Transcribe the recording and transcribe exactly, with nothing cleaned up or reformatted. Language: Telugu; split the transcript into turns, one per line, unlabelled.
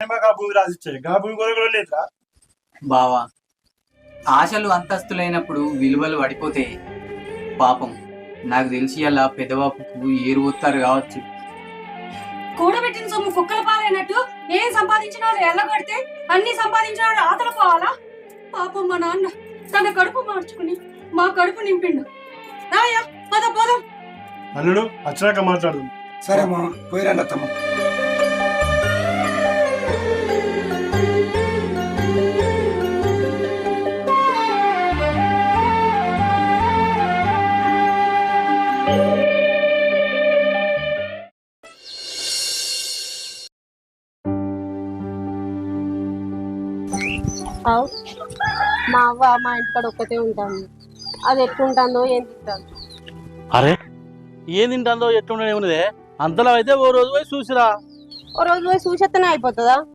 మాకు ఆ భూమి రాసిచ్చాయి ఆ భూమి కూడా కూడా లేదురా.
బావా, ఆశలు అంతస్తులైనప్పుడు విలువలు పడిపోతే పాపం నాకు తెలిసి అలా పెదవాపుకు ఏరు పోతారు కావచ్చు.
కూడబెట్టిన సొమ్ము కుక్కల పాలైనట్టు ఏం సంపాదించినాడు ఎల్లగొడితే అన్ని సంపాదించినాడు ఆతల పోవాలా? పాపం మా నాన్న తన కడుపు మార్చుకుని మా కడుపు నింపిండు. రాయా పద పోదాం.
అల్లుడు వచ్చినాక మాట్లాడు.
సరే మా పోయిరండి అత్తమ్మ.
మా అవ్వ మా ఇంటికాడ ఒక్కతే ఉంటాను. అది ఎట్లుంటుందో ఏం తింటాను.
అరే ఏం తింటుందో ఎట్లుండే ఉన్నదే అంతలో అయితే ఓ రోజు పోయి చూసిరా.
ఓ రోజు పోయి చూసేస్తేనే అయిపోతుందా?